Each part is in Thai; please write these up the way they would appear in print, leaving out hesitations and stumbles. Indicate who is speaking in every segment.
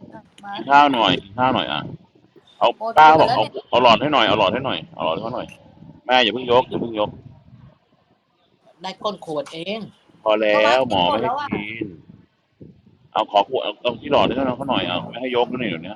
Speaker 1: มา
Speaker 2: กินข้าวหน่อยกินข้าวหน่อยอ่ะเอา
Speaker 1: หมดข
Speaker 2: ป้า
Speaker 1: วดแล้วเนี่ย
Speaker 2: เอาหลอดให้หน่อยเอาหลอดให้หน่อยเอาหลอดให้เขาหน่อยแม่อย่าเพิ่งยกอย่าเพิ่งยก
Speaker 3: ได้ก้นขวดเอง
Speaker 2: พอแล้
Speaker 1: ก็มา
Speaker 2: วหมอไม่ให้
Speaker 1: กินหมดแล้วอ่ะ
Speaker 2: กินเอาขอขวดเอาที่หลอดให้เขาหน่อยเอาไม่ให้ยกนะเนี่ยเดี๋ยวนี้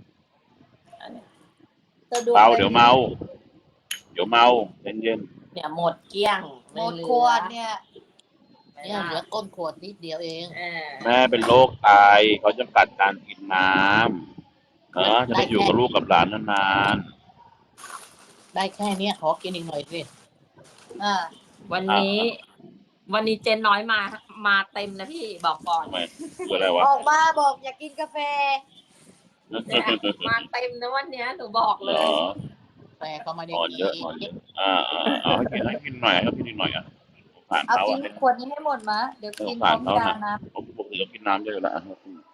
Speaker 1: สะดวก
Speaker 2: เบา
Speaker 1: เลยพี่
Speaker 2: เดี๋ยวเมาเดี๋ยวเมาเย็น
Speaker 3: เนี่ยหมดเกลี้ยง
Speaker 1: หม
Speaker 3: ไม่
Speaker 1: ด
Speaker 3: เหลื
Speaker 1: ขว
Speaker 3: อ
Speaker 1: ดเนี่ย
Speaker 3: เนี่ยเหลือก้นขวดนิดเดียวเอง
Speaker 2: ๆแม่เป็นโรคไตเขาจำกัดการกินน้ำจะได้อยู่กับลูกกับหลานนาน
Speaker 3: ได้แค่เนี้ยขอกินอีกหน่อยสิ
Speaker 1: อ่า
Speaker 4: วันนี้ วันนี้เจนน้อยมาเต็มนะพี่บอกก่อน
Speaker 2: ทำไมคืออะไรวะ
Speaker 1: ออกมาบอกอยากกินกาแฟ
Speaker 4: เนี่ยมาเต็มนะวันเนี้ยหนูบอก
Speaker 2: เห
Speaker 4: เล
Speaker 2: ร
Speaker 4: ย
Speaker 2: อ
Speaker 3: แต่ก็ไม่ได้
Speaker 2: อ่อน
Speaker 3: กิ
Speaker 2: เยอะอ่อนเยอะเอาให้กินหน่อยให้กินหน่อยอ่ะผ่าน
Speaker 1: เอา
Speaker 2: เขา
Speaker 1: กิ
Speaker 2: อ่ะ
Speaker 1: นขวดนี้ให้หมดมาเดี๋ยวกินพ
Speaker 2: ผ่า
Speaker 1: ร้
Speaker 2: น
Speaker 1: อม
Speaker 2: เขา
Speaker 1: ยา
Speaker 2: น่ะ
Speaker 1: นะ
Speaker 2: ผมปกติเรากินน้ำเยอะแล้ว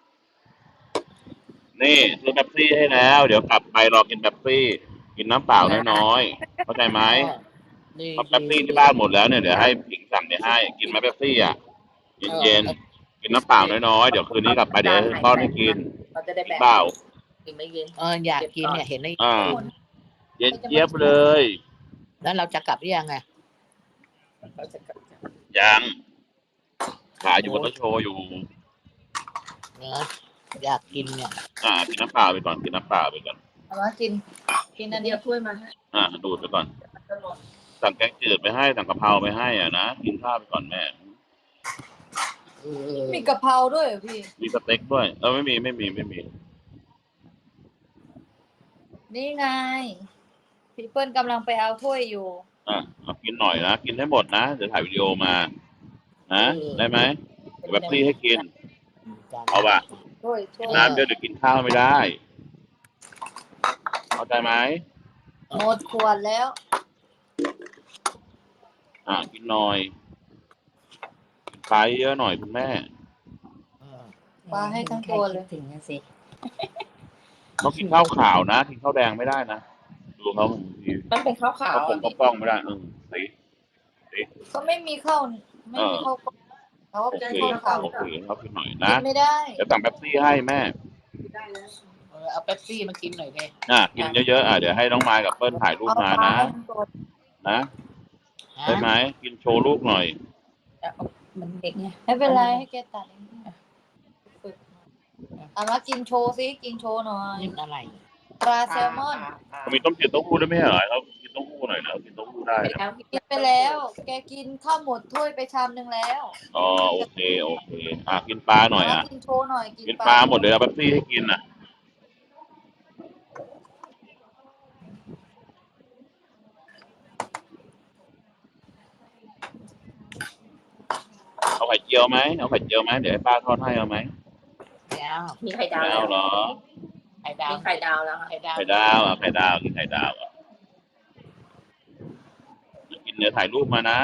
Speaker 2: นี่ซื้อเป๊ปซี่ให้แล้ว เดี๋ยวกลับไปรอกินเป๊ปซี่กินน้ำเปล่าน้อยๆเข้าใจไหม
Speaker 3: ดี
Speaker 2: เพราะเป๊ปซี่ที่บ้านหมดแล้วเนี่ยเดี๋ยวให้ผิงสั่งไปให้กินไหมเป๊ปซี่อ่ะเย็นๆกินน้ำเปล่าน้อยๆเดี๋ยวคืนนี้กลับไปเดี๋ยวป้อนให้กิน
Speaker 4: เราจะได้
Speaker 2: กิน
Speaker 4: แบ่ง
Speaker 2: เปล่า
Speaker 4: กินไม่กิน
Speaker 3: อยากกินเนี่ยเห็นไหม
Speaker 2: เย็นเจี๊ยบเลย
Speaker 3: แล้วเราจะกลับหรือยังไง
Speaker 4: เราจะกลับกัน
Speaker 2: ยังขายอยู่บนรถโชว์อยู่
Speaker 3: เนื้ออยากกินเนี่ย
Speaker 2: กินน้ำเปล่าไปก่อนกินน้ำเปล่าไปก่อน
Speaker 1: เอามากินอัน
Speaker 4: เดี๋
Speaker 1: นี้
Speaker 4: ยวถ้วยมาให้
Speaker 2: ดูดไปก่อน
Speaker 4: จะหมด
Speaker 2: สั่งแกงจืดไปให้สั่งกะเพราไปให้อ่ะนะกินข้าวไปก่อนแม่
Speaker 1: มีกะเพราด้วยเหรอพี่
Speaker 2: มีสเต็กด้วยไม่มี
Speaker 1: นี่ไงพี่เปิ้ลกำลังไปเอาถ้วยอยู่
Speaker 2: เอากินหน่อยนะกินให้หมดนะเดี๋ยวถ่ายวิดีโอมานะได้ไหมเดี๋ยวแบบซี่ให้กินเอาป่ะ
Speaker 1: ถ้วย
Speaker 2: กินน้ำเยอะเดี๋ยวกินข้าวไม่ได้เข้าใจไหม
Speaker 1: หมดขวดแล้ว
Speaker 2: กินหน่อยกินปลาเยอะหน่อยคุณแม่
Speaker 1: ปลาให้ทั้งตัวเลย
Speaker 4: ถึงนะสิ
Speaker 2: ต้องกินข้าวขาวนะกินข้าวแดงไม่ได้นะดูเขาบางที
Speaker 4: มันเป็นข้าวขาว
Speaker 2: เขากล้องไม่ได้สี
Speaker 1: ก็ไม่มีข้าวไม่มีข้าวกล้องเขา
Speaker 2: โอ
Speaker 1: จะ
Speaker 2: เค
Speaker 1: ข้าว
Speaker 2: โอเคเขากินหน่อย
Speaker 1: กิ
Speaker 2: นะ
Speaker 1: นไม่ได้
Speaker 2: เดี๋ยวสั่งเป๊ปซี่ให้แม่
Speaker 4: ได้แล้ว
Speaker 3: เอาเป๊ปซี่มากินหน่อยเลย
Speaker 2: กินเยอะๆเดี๋ยวให้น้องมายกับเปิ้ลถ่ายรูปมานะ นะได้ไหมกินโชว์ลูกหน่อย
Speaker 4: มันเด็กไง
Speaker 1: ไม่เป็นไรให้แกตัดเองเอามากินโชว์สิกินโชว์หน่อย
Speaker 3: นี่อะไร
Speaker 1: ปลาแซลมอน
Speaker 2: มีต้มจืดเต้าหู้ด้วยไหมเหรอเขากินเต้าหู้หน่อยนะกินเต้าหู้ได้
Speaker 4: ไป
Speaker 2: นะ
Speaker 4: แล้ว
Speaker 1: กินไปแล้ว แกกินข้าวหมดถ้วยไปชามนึงแล้ว
Speaker 2: โอเคกินปลาหน่อย
Speaker 1: กินโชว์หน่อย
Speaker 2: กินปลาหมดเลยเอาเป๊ปซี่ให้กินเอาไข่เจียวไหมเดี๋ยวให้ป้าทอดให้เอาไหม
Speaker 3: แล้ว
Speaker 4: มีไข่ดาว
Speaker 2: ไม่
Speaker 4: แล้
Speaker 2: เอา
Speaker 4: ว
Speaker 2: เหรอ
Speaker 3: ไข่ดาว
Speaker 4: มีไข่ดาวแล้วค่ะ
Speaker 3: ไข่ดาว
Speaker 2: ไข่ดาวกินไข่ดาวกินเดี๋ยวถ่ายรูปมานะ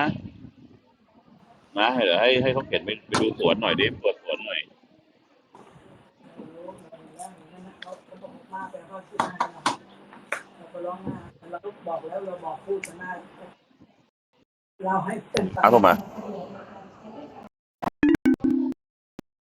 Speaker 2: เดี๋ยวให้เขาเข็นไปดูสวนหน่อยดิเปิดสวนหน่อยเอาเข้ามา